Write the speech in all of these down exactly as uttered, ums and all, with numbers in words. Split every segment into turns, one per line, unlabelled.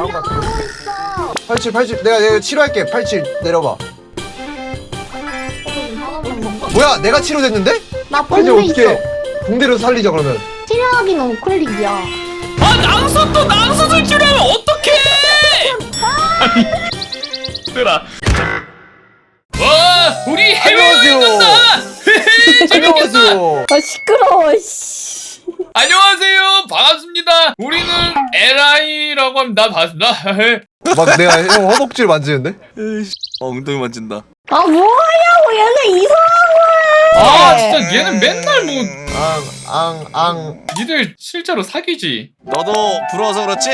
나온 것 같아.
있어.
팔십칠, 팔십칠. 내가 내가 치료할게. 팔십칠 내려봐. 뭐야? 내가 치료됐는데?
나
이제
붕대
어떻게
있어.
붕대로 살리자 그러면.
치료하기는 우클릭이야.
아 낭서도 낭서를 치료하면 어떡해! 아니 얘들아 와 우리 해외여행 간다! 재밌겠다!
안녕하세요.
아 시끄러워. 씨.
안녕하세요 반갑습니다 우리는 엘아이라고 합니다 반갑습니다
막 내가 형 허벅지를 만지는데?
어, 엉덩이 만진다.
아 뭐하냐고 얘는 이상한 거야.
아 진짜 얘는 맨날 뭐
앙, 앙, 앙.
니들 실제로 사귀지
너도 부러워서 그렇지?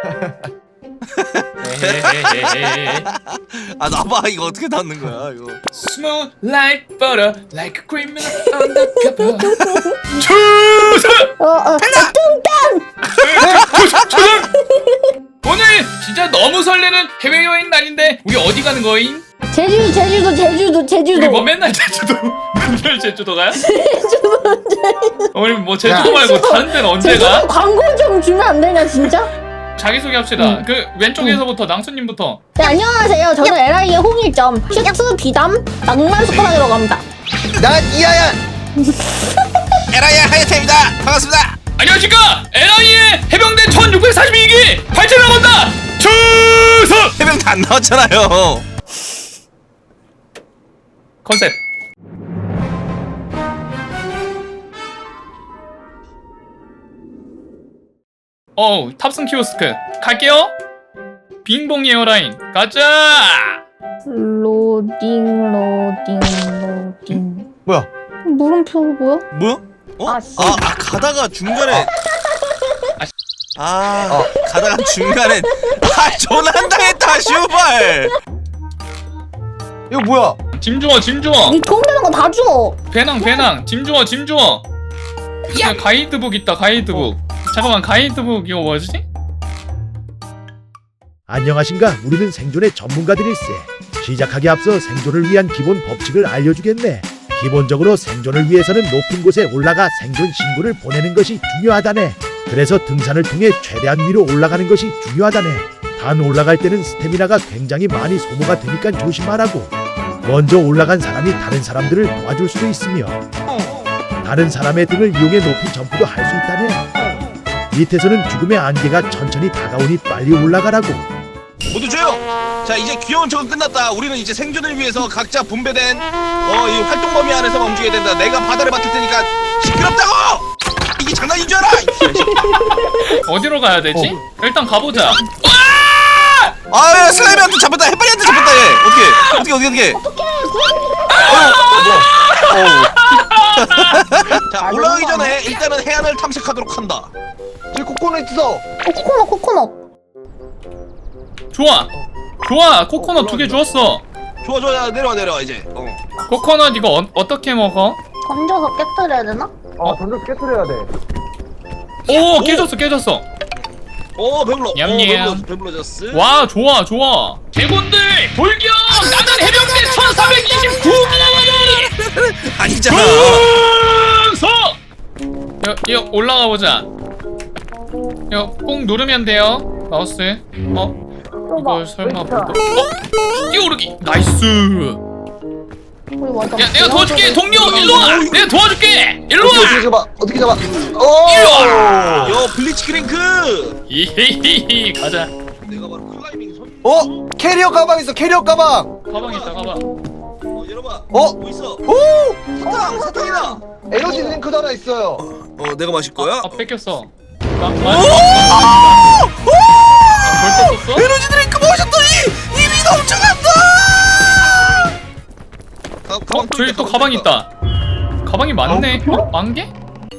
헤헤헤헤헤.
아, 나봐. 이거 어떻게 닿는 거야, 이거.
Smooth like butter, like a criminal undercover. 추석!
어어 뚱땅.
오늘 진짜 너무 설레는 해외여행 날인데 우리 어디 가는 거임?
제주 제주도 제주도 제주도.
우리 뭐 맨날 제주도 맨날 제주도 가요? 우리 뭐 제주도
야.
말고 다른 데는 언제
제주도
가?
광고 좀 주면 안 되냐 진짜?
자기소개 합시다.
응.
그 왼쪽에서부터 낭수님부터.
네 안녕하세요. 저는 엘아이의 홍일점 슈트 비담 낭만 숟가락이라고 합니다.
난 이하얀.
에라야 하야테입니다. 반갑습니다.
안녕하십니까 엘아이의 해병대 천육백사십이 기 발전을 나간다 추석!
해병 다 안 나왔잖아요.
컨셉 어우 탑승 키오스크 갈게요 빙봉 에어라인 가자
로딩 로딩 로딩.
뭐야?
물음표 뭐야?
뭐야? 어?
아, 씨.
아, 아, 가다가 중간에.
아, 씨.
아, 가다가 중간에. 아, 전환당했다, 슈발.
이거 뭐야?
짐 주워 짐 주워
니 도움되는 거 다 줘.
배낭 배낭 짐 주워 짐 주워 야 가이드북 있다 가이드북 잠깐만 가이드북 이거 뭐지?
안녕하신가? 우리는 생존의 전문가들일세. 시작하기 앞서 생존을 위한 기본 법칙을 알려주겠네. 기본적으로 생존을 위해서는 높은 곳에 올라가 생존 신고를 보내는 것이 중요하다네. 그래서 등산을 통해 최대한 위로 올라가는 것이 중요하다네. 단 올라갈 때는 스태미나가 굉장히 많이 소모가 되니까 조심하라고. 먼저 올라간 사람이 다른 사람들을 도와줄 수도 있으며 다른 사람의 등을 이용해 높이 점프도 할 수 있다네. 밑에서는 죽음의 안개가 천천히 다가오니 빨리 올라가라고.
모두 조용! 자, 이제 귀여운 척은 끝났다. 우리는 이제 생존을 위해서 각자 분배된 어, 이 활동 범위 안에서 움직여야 된다. 내가 바다를 맡을 테니까 시끄럽다고! 이게 장난인 줄 알아!
어디로 가야 되지? 일단 가보자
아, 야, 슬라임한테 잡혔다. 해파리한테 잡혔다, 얘. 어떻게? 어떻게, 어떻게, 어떻게? 자, 올라가기 전에 일단은 해안을 탐색하도록 한다.
저 코코넛 있어.
어, 코코넛 코코넛.
좋아 좋아 코코넛 두 개 주웠어
좋아, 좋아, 야, 내려와, 내려와, 이제. 어.
코코넛 이거 어, 어떻게 먹어?
던져서 깨뜨려야 되나?
어, 던져서 깨트려야 돼.
오 깨졌어 깨졌어
오, 배불러.
냠냠.
오, 배불러, 배불러졌어.
와 좋아 좋아 대군들 돌격 나는 해병대 천사백이십구 기
아니잖아.
충성 이거, 이거 올라가 보자 이거 꾹 누르면 돼요 마우스 어? 이걸 설마 못 어? 뛰어오르기 나이스 야 내가 도와줄게 동료 일로와 내가 도와줄게 일로와
어떻게 잡아? 어떻게 잡아?
일로와
요, 블리치크링크!
이히히히 가자
내가 바로 클라이밍 선.
어? 캐리어 가방 있어. 캐리어 가방.
가방 있다 가방
어, 열어봐.
어?
뭐 있어?
오!
사탕! 사탕이다!
에너지 드링크도 하나 있어요.
어, 내가 마실 거야?
아 뺏겼어 나, 나, 아, 벌써 썼어?
에너지 드링크 마셨더니 힘이 넘쳐간다! 가,
어?
가방
저기 또
가방
가방
또
있다 가방이 많네 어? 만개?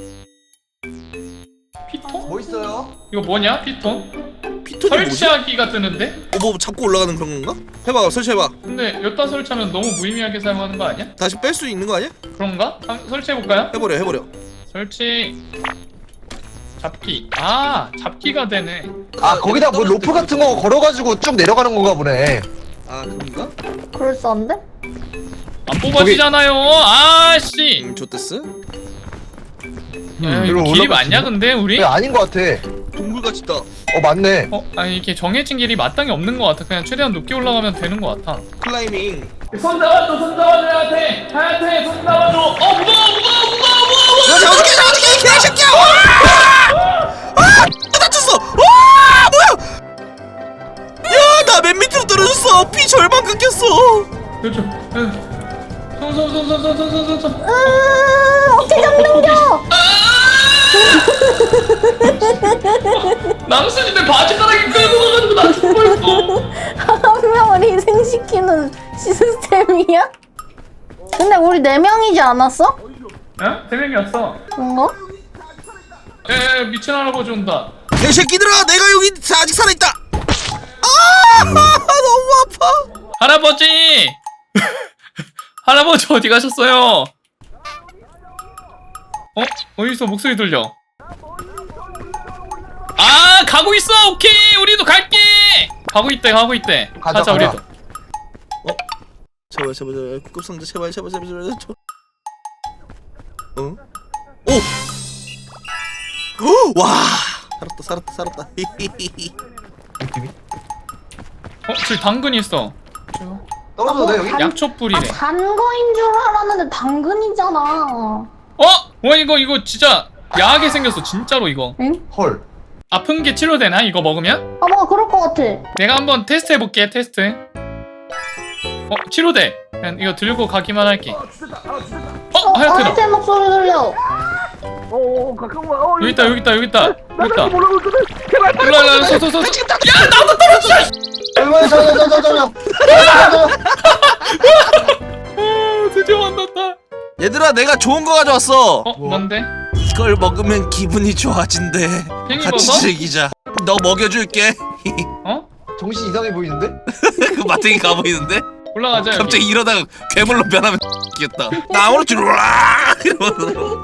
피통?
뭐 있어요?
이거 뭐냐 피통?
피톤이 뭐지?
설치하기가 뜨는데?
어, 뭐 잡고 올라가는 그런 건가? 해봐, 설치해봐.
근데 여기다 설치하면 너무 무의미하게 사용하는 거 아니야?
다시 뺄 수 있는 거 아니야?
그런가? 한번 설치해볼까요?
해버려, 해버려.
설치 잡기 아 잡기가 되네
아, 거기다 뭐 로프 같은 거 걸어가지고 쭉 내려가는 건가 보네.
아, 그런가?
그럴싸한데?
안 뽑아지잖아요 아씨
음, 좋댔어?
야, 이거
이리로
길이
올라가지.
맞냐 근데 우리?
왜 아닌 것 같아.
동굴같이 있다.
어 맞네.
어? 아니 이게 정해진 길이 마땅히 없는 것 같아. 그냥 최대한 높게 올라가면 되는 것 같아.
클라이밍.
손 잡아줘, 손 잡아줘, 하야테! 하야테, 손 잡아줘! 어, 무거워, 무거워, 무거워, 무거워!
야, 잡아줄게, 잡아줄게, 개새끼야! 와! 아! 또 다쳤어! 와! 뭐야! 야, 나 맨 밑으로 떨어졌어! 피 절반 깎였어!
그렇죠. 손, 손, 손, 손, 손, 손, 손, 손.
으 어떻게 잡는겨?
남순이들 바지가락이 끌고 가가지고 나 죽고 있어.
한 명을 희생시키는 시스템이야? 근데 우리 네 명이지 않았어?
어? 세 명이었어.
뭔가?
에, 미친 할아버지 온다.
개새끼들아! 내가 여기 아직 살아있다! 아! 너무 아파!
할아버지! 할아버지 어디 가셨어요? 어? 어디서 목소리 들려? 아, 가고 있어. 오케이, 우리도 갈게. 가고 있대, 가고 있대.
가자,
가자,
가자.
우리도.
제발, 제발, 제발. 구급상자, 제발, 제발, 제발, 제발. 저... 어? 오! 오! 와! 살았다, 살았다, 살았다.
느낌이?
어, 저기 당근이 있어.
떨어져도 돼 여기?
약초
아
뿌리래.
단거인 줄 알았는데 당근이잖아.
어? 와, 이거 이거 진짜 야하게 생겼어. 진짜로 이거.
응?
헐.
아픈 게 치료되나? 이거 먹으면?
아 뭔가 그럴 것 같아.
내가 한번 테스트 해볼게. 테스트. 어, 치료돼. 그냥 이거 들고 가기만 할게. 어,
어,
하얗테다.
하얗테 목소리 들려.
여기 있다, 여기 있다, 여기 있다. 여기 있다. 일로 와, 일로 와, 서, 서, 서. 야, 나도 떨어져.
얼마나 저저저저저.
아, 드디어 만났다.
얘들아, 내가 좋은 거 가져왔어.
어, 뭔데?
이걸 먹으면 기분이 좋아진대. 같이
팽이버섯?
즐기자. 너 먹여줄게.
어?
정신 이상해 보이는데?
그 마탱이 가 보이는데?
올라가자. 여기.
갑자기 이러다가 괴물로 변하면 귀엽다. 나 오른쪽 으아! 이러면서.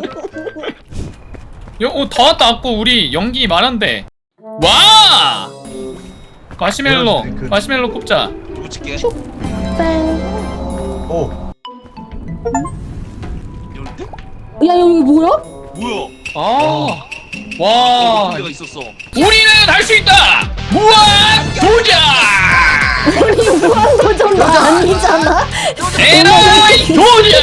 여, 어, 다 왔다 왔고 우리 연기 말한대. 와! 마시멜로,
그-
마시멜로 꼽자.
붙일게.
땡.
오.
야 여기 뭐야?
뭐야?
아, 와,
문제가 있었어.
우리는 할 수 있다. 무한 도전.
우리 무한도전도 아니잖아.
에라이 도전.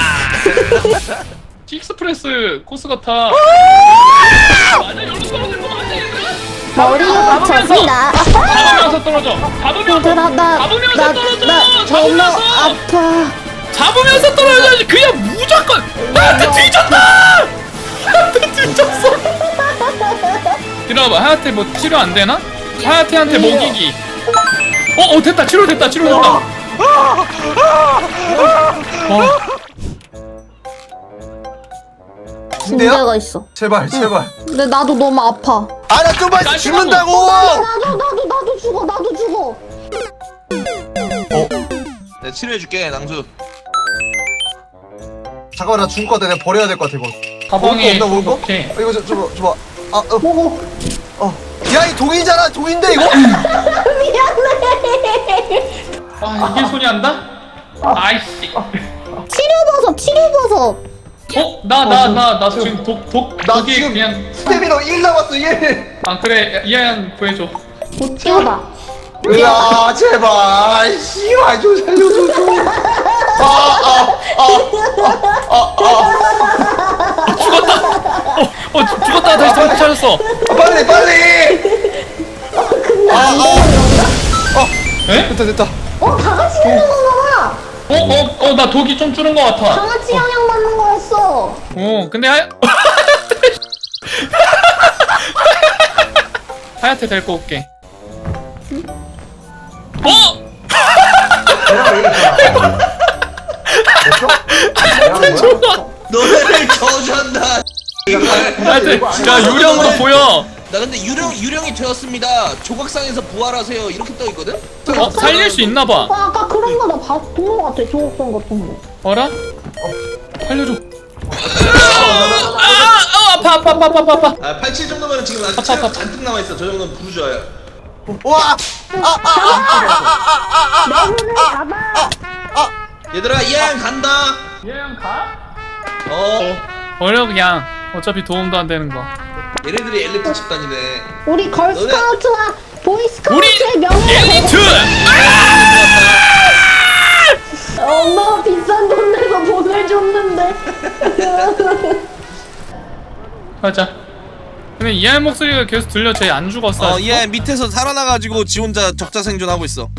식스프레스 코스 같아. 맞아, 여기로 떨어질 거 맞아.
머리가 젖힌다.
잡으면서 떨어져. 잡으면서.
얘들아
잡으면서 떨어져.
나나나 너무
잡으면서.
아파.
잡으면서 떨어져야지. 그냥 무조건 하야테 뒤졌다. 하야테 뒤졌어. 이러봐. 하야테 뭐 치료 안 되나? 하야테한테 먹이기. 어, 어 됐다. 치료 됐다. 치료 됐다. 어,
문제가 있어.
제발 제발.
근데 나도 너무 아파.
아 나 좀만 있으면 죽는다고.
나도 나도 나도 죽어 나도 죽어.
내가 치료해줄게, 낭수.
잠깐만 나 죽을 것 같아. 내가 버려야 될 것 같아 이거.
가방에
먹을 거 없나, 먹을 거?
오케이.
어, 이거 좀 줘봐 줘봐. 아 어.
먹어.
어. 야 이 동이잖아. 동인데 이거?
아, 이게 손이 안다? 아이씨.
치료버섯 치료버섯.
어? 나 나 나 나 지금 독독
나
독이
지금
그냥.
스태미너 일 남았어 일.
아 그래, 이하연 구해줘.
못 치워봐.
으아 제발. 씨발 좀 살려줘 좀.
죽었다. 어, 어 죽었다. 다시 정신 차렸어.
아, 빨리 빨리.
에?
됐다 됐다.
어 다 같이 되는 건가 봐.
어, 어, 어, 나 독이 좀 줄은 것
다
같아.
같이 영향 받는 거였어.
어, 근데 하야. 하야테 데리고 올게. 어?
내가 얘기했잖아. 됐어? 내가
죽어.
너네를 저주한다.
하야테, 야 유령으로 보여.
나 근데 유령 유령이 되었습니다. 조각상에서 부활하세요. 이렇게 떠 있거든.
어, 살릴 수 있나 봐.
아, 아까 그런 거나 본거 같아. 조각상 같은 거.
어라? 살려줘. 아, 아, 아파, 아파, 아파, 아파, 아파.
아, 팔십칠 정도면 지금 아직
아파,
체력
아파.
잔뜩 남아 있어. 저 정도면 부르줘요.
와.
내눈을 잡아.
얘들아, 이하연 간다.
얘랑 가?
어.
어려 그냥. 어차피 도움도 안 되는 거.
얘네들이 엘리트 집단이네.
우리 걸스카우트와 보이스카우트의
우리
명예를
엘리트!
엄마가 비싼 돈 내서 보내줬는데.
가자. 근데 이하의 목소리가 계속 들려. 쟤 안 죽었어.
어, 얘 밑에서 살아나가지고 지 혼자 적자 생존하고 있어.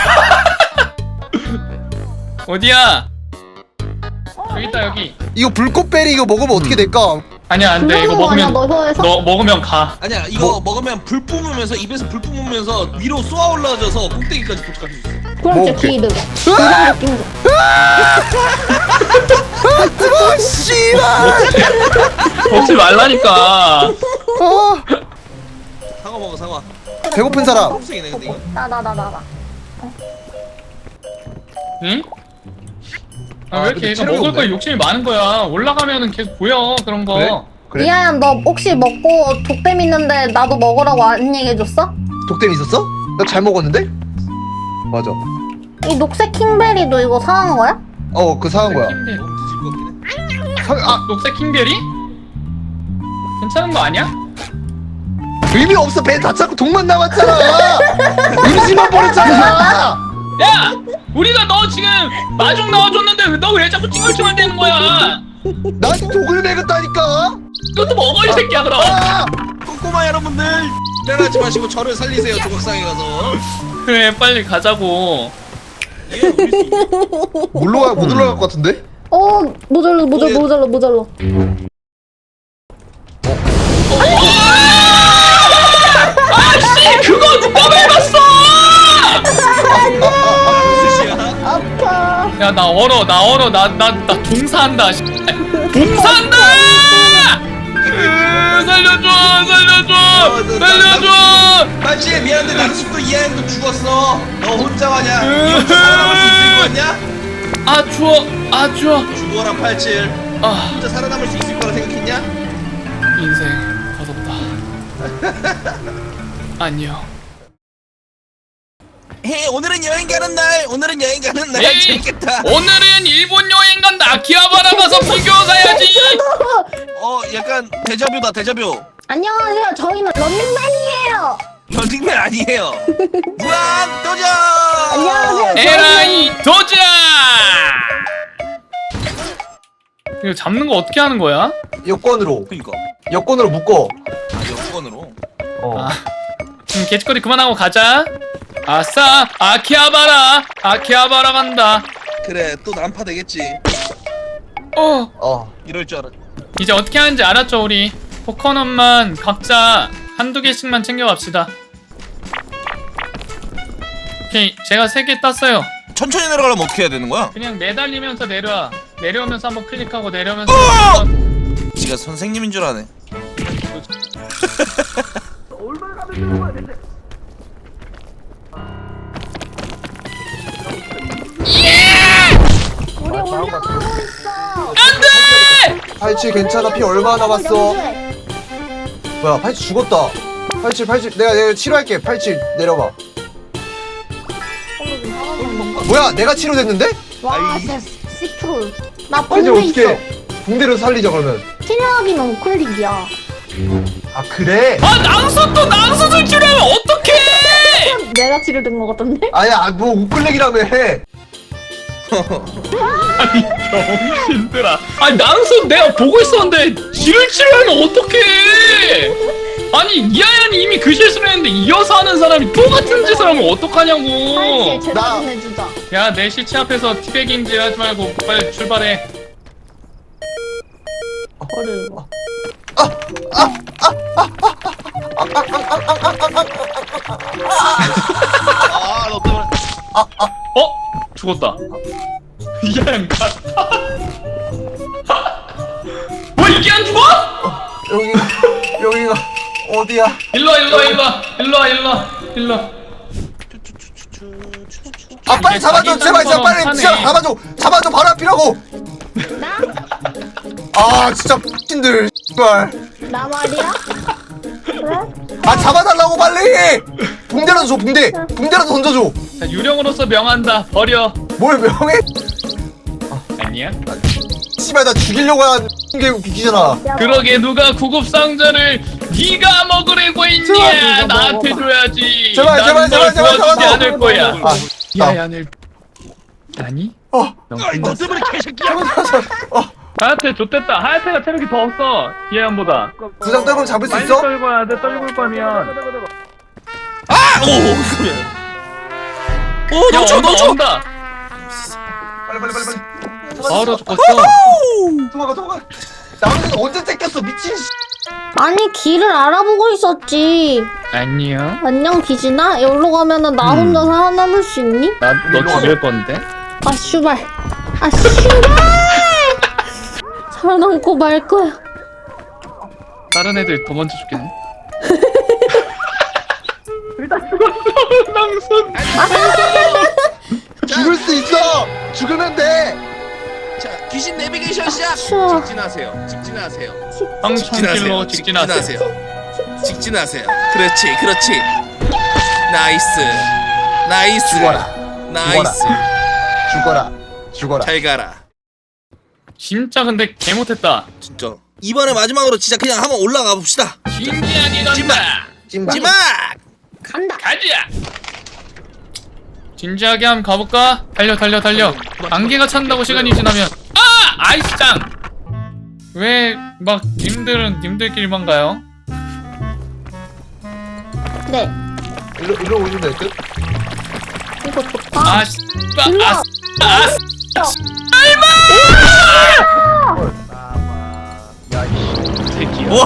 어디야? 여기 있다 여기.
이거 불꽃베리 이거 먹으면 어떻게 될까?
아니야 안돼. 이거
불러서 아니야,
먹으면
너 혀에서.
너 먹으면 가.
아니야 이거 먹으면 불 뿜으면서 입에서 불 뿜으면서 위로 쏘아 올라져서 꼭대기까지 도착할 수 있어.
그럼 진짜
먹을게.
기드. 그런 느낌도.
아 씨발.
먹지 말라니까.
아,
사과 먹어 사과.
배고픈 사람.
초록색이네 근데 이거.
나 나 나 나 나.
응? 아,
아,
왜
근데
이렇게 얘가
체력이
먹을
없네.
거에 욕심이 많은 거야. 올라가면은 계속 보여 그런 거.
그래? 그래?
이하야 너 혹시 먹고 독댐 있는데 나도 먹으라고 안 얘기해줬어?
독댐 있었어? 나 잘 먹었는데? 맞아.
이 녹색 킹베리도 이거 사는 거야?
어, 그 사간 거야.
킹베리.
너무 드실 것 같긴 해.
사, 아,
녹색 킹베리? 괜찮은 거 아니야?
의미 없어. 배 다 차고 독만 남았잖아. 음식만 버렸잖아.
야! 우리가 너 지금 마중 나와줬는데 너 왜 자꾸 찡얼찡얼 대는 거야?
난 독을 먹였다니까.
그것도 먹어 이 새끼야 그럼.
아,
꼬꼬마 여러분들 일어나지 마시고 저를 살리세요. 조각상에 가서.
그래 빨리 가자고.
얘 우리 수
못 올라가 못 올라갈 것 같은데?
어 모자라 모자라 모자라 모자라.
아씨 그거 누가 밟았어?
수시야.
아파.
야 나 얼어 나 얼어 나 나 나 종사한다. 씨. 종사한다! 으, 살려줘 살려줘 살려줘.
맞지 미안한데 낭숙도 이하연도 죽었어. 너 혼자 와냐? 니 혼자 살아남을 수 있을 것 같냐?
아 추워 아 추워.
죽어라 팔칠.
아
혼자 살아남을 수 있을 거라 생각했냐?
인생 버겁다. 안녕.
헤 오늘은 여행 가는 날. 오늘은 여행 가는 날.
에이,
재밌겠다.
오늘은 일본 여행 간다. 아키하바라 가서 피규어 사야지.
어 약간 데자뷰다 데자뷰.
안녕하세요. 저희는 런닝맨이에요.
런닝맨 아니에요. 무한 도전.
안녕하세요.
에라이 도전. 이거 잡는 거 어떻게 하는 거야?
여권으로.
그니까.
여권으로 묶어.
아 여권으로.
어.
아, 음, 개짓거리 그만하고 가자. 아싸, 아키하바라, 아키하바라 간다.
그래 또 난파 되겠지.
어,
어.
이럴 줄 알았.
이제 어떻게 하는지 알았죠 우리. 코코넛만 각자 한두 개씩만 챙겨갑시다. 오케이, 제가 세 개 땄어요.
천천히 내려가려면 어떻게 해야 되는 거야?
그냥 매달리면서 내려와. 내려오면서 한번 클릭하고 내려오면서.
어!
한번...
지가 선생님인 줄 아네.
우리 올라가고 있어.
안돼!
팔칠 괜찮아. 피 얼마 남았어? 뭐야, 팔칠 죽었다. 팔칠, 팔칠. 내가 내가 치료할게. 팔칠 내려봐. 뭐야, 내가 치료됐는데?
와 진짜 시트롤. 나
팔칠
붕대 있어.
어떻게? 붕대로 살리자 그러면.
치료하기는 우클릭이야.
아 그래?
아 낭수 또 낭수들 치료하면 어떡해!
내가 치료된 거 같던데?
아야, 뭐 우클릭이라며 해.
아니 병신들아. 아니 낭수 내가 보고 있었는데 지를 치료하면 어떡해! 아니 이하연이 이미 그 실수를 했는데 이어서 하는 사람이 똑같은 짓을 하면 어떡하냐고.
사실 제대로
나-
좀 해주자.
야 내 시체 앞에서 티베깅질 하지 말고 빨리 출발해.
어려.
아너 때문에.
어? 죽었다. 이하연 갔다. 왜 이게 안 죽어?
여기 여기가 어디야?
일로와 일로와 일로와 일로와 일로와 일로와.
아 빨리 잡아줘 제발 제발 빨리
하네.
진짜 잡아줘 잡아줘 바로 앞이라고. 아 진짜 X들 씨발.
나 말이야? 그래?
아 잡아달라고 빨리. 붕대라도 줘 붕대 붕대라도 던져줘.
자 유령으로서 명한다. 버려.
뭘 명해?
아니야?
씨발 나 죽이려고 하는 게 웃기잖아.
그러게 누가 구급 상자를 네가 먹으려고 했냐?
제발,
나한테
제발,
줘야지.
제발,
나는
제발,
널
제발, 제발,
도와주지
제발.
않을 거야.
아,
야얀을 아니?
어.
넌
너
끝났어.
때문에 개새끼야.
어,
하야테 좋댔다. 하야테가 체력이 더 없어. 이해안보다.
두장 떨고 잡을 수
빨리
있어?
떨궈야 돼. 떨굴 거면.
아! 오! 오!
야,
넘쳐
온다,
넘쳐!
온다.
빨리 빨리 빨리 빨리.
바로 죽었어.
도망가 도망가. 나는 언제 뺏겼어 미친. 씨.
아니 길을 알아보고 있었지.
안녕.
안녕 비진아. 여기로 가면은 나 혼자 살아남을 수 있니?
나 너 죽일 건데.
아 슈발. 아 슈발. 살아남고 말 거야.
다른 애들 더 먼저 죽겠네. 일단 죽었어. 낭선.
죽을 수 있어. 죽으면 돼.
자, 귀신 내비게이션 시작!
추워.
직진하세요. 직진하세요.
황천길로 직진하세요.
직진하세요. 그렇지, 그렇지. 나이스. 나이스.
죽어라.
나이스.
죽어라. 죽어라.
잘 가라.
진짜 근데 개 못했다.
진짜. 이번에 마지막으로 진짜 그냥 한번 올라가 봅시다.
진지하게 간다.
찜박.
찜막!
간다.
가자. 진지하게 한번 가볼까? 달려 달려 달려. 안개가 찬다고 시간이 지나면 아! 아이스장! 왜 막 님들은 님들끼리만 가요?
네.
일로 일로 오시면 될 듯.
이거 좋다.
아 씨. 아, 아, 아,
야, 이
새끼야.
오!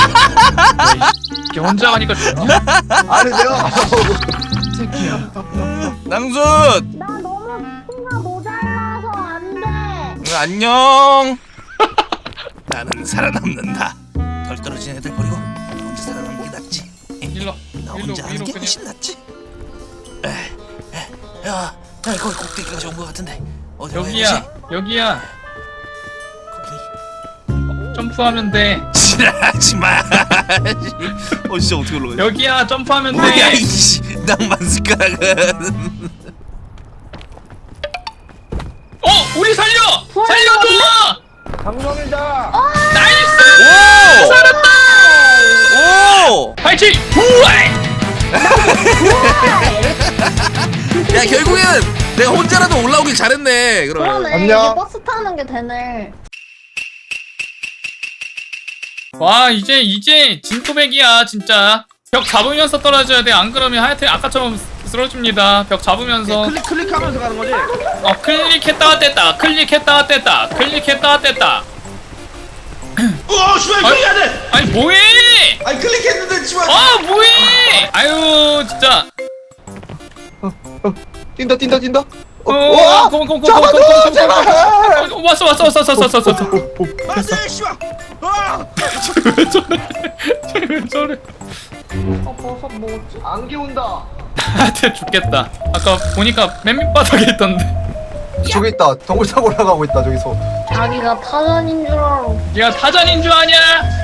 이게 혼자 가니까 좋냐?
아니 내가
새끼야.
낭순!
나 너무 키가 모자라서 안 돼.
응, 안녕. 나는 살아남는다. 덜 떨어진 애들 버리고 나 혼자 살아남는 게 낫지.
일로
나
일로
혼자 하는
위로
게
그냥.
훨씬 낫지. 에, 에, 야, 야, 거기 꼭대기까지 온 것 같은데 어디로 가야
여기야
되지?
여기야.
거기.
점프하면 돼.
지랄하지 마. 어 진짜 어떻게 올라가?
여기야 점프하면
뭐야
돼.
이씨 낭만 숟가락은.
어 우리 살려 살려줘.
방송이다.
나이스.
오!
살았다.
오!
파이팅. 부활.
야 결국에는 내가 혼자라도 올라오길 잘했네. 그러면.
그러네.
안녕.
이게 버스 타는 게 되네.
와 이제 이제 진토백이야 진짜. 벽 잡으면서 떨어져야 돼. 안 그러면 하여튼 아까처럼 쓰러집니다. 벽 잡으면서.
클릭 클릭하면서 가는 거지.
어 클릭했다가 뗐다. 클릭했다가 뗐다. 클릭했다가 뗐다.
어, 씨발
아니,
클릭해야 돼.
아니 뭐해?
아니 클릭했는데 씨발.
아 뭐해? 아유 진짜.
뛴다 뛴다 뛴다.
어,
와!
고고 고고
잡아줘,
고고
제발!
왔어 왔어 왔어 왔어 왔어 왔어.
안돼 씨발. 아!
왜 저래? 쟤왜 저래?
어 버섯 뭐지?
안개 온다.
나한테 죽겠다. 아까 보니까 맨 밑바닥에 있던데.
저기 있다. 덩굴 타고 올라가고 있다 저기서.
자기가 타전인 줄 알아.
네가 타잔인 줄 아냐?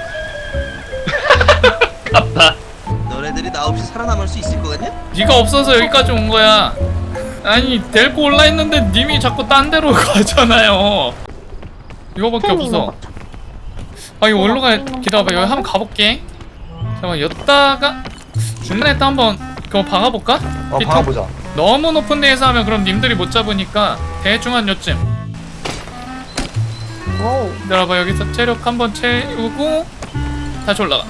아깝다.
너네들이 나 없이 살아남을 수 있을 것 같냐?
네가 없어서 여기까지 온 거야. 아니 데리고 올라 있는데 님이 자꾸 딴 데로 가잖아요. 이거밖에 없어. 아 이거 올라가. 기다려봐. 여기 한번 가볼게. 잠깐만 여기다가 중간에 또 한번 그거 박아볼까?
어
피터?
봐보자.
너무 높은 데에서 하면 그럼 님들이 못 잡으니까 대충 한 요쯤.
오.
기다려봐. 여기서 체력 한번 채우고 다시 올라가.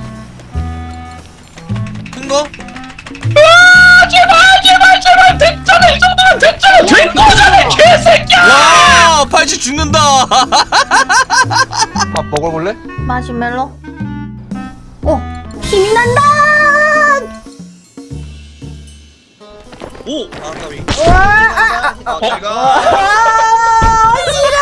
큰 거?
아 제발 제발 제발 됐잖아. 이 정도면 됐잖아. 된 거잖아 개새끼야.
와, 팔찌 죽는다.
아 먹어볼래?
마시멜로. 오. 힘이 난다.
오, 아 까비.
와. 아,
아, 내가
아,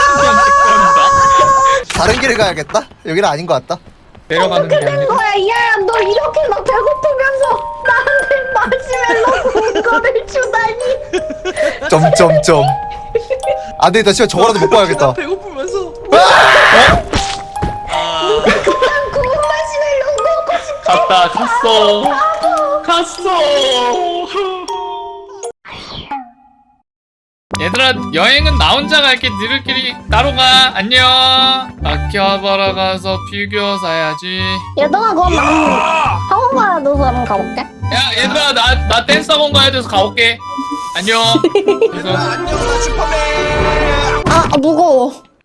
싫어.
다른 길을 가야겠다. 여기는 아닌 것 같다.
내려가는 게
어떻게 된
아니라.
거야? 야, 너 이렇게 막 배고프면서 나한테 마시멜로 구운 거를 주다니.
점점점. 안 되겠다. 씨발 저거라도 먹고 가야겠다.
배고프면서.
난 구운 마시멜로 먹고 싶어.
갔다 갔어 갔어. 얘들아 여행은 나 혼자 갈게. 니들끼리 따로 가. 안녕. 아키하바라 가서 피규어 사야지.
얘들아 그럼 난 학원 가야 돼서 한번 가볼게.
야 얘들아 나 나 댄스 학원 가야 돼서 가볼게. 안녕.
얘들아 안녕 나 슈퍼맨.
아, 아 무거워.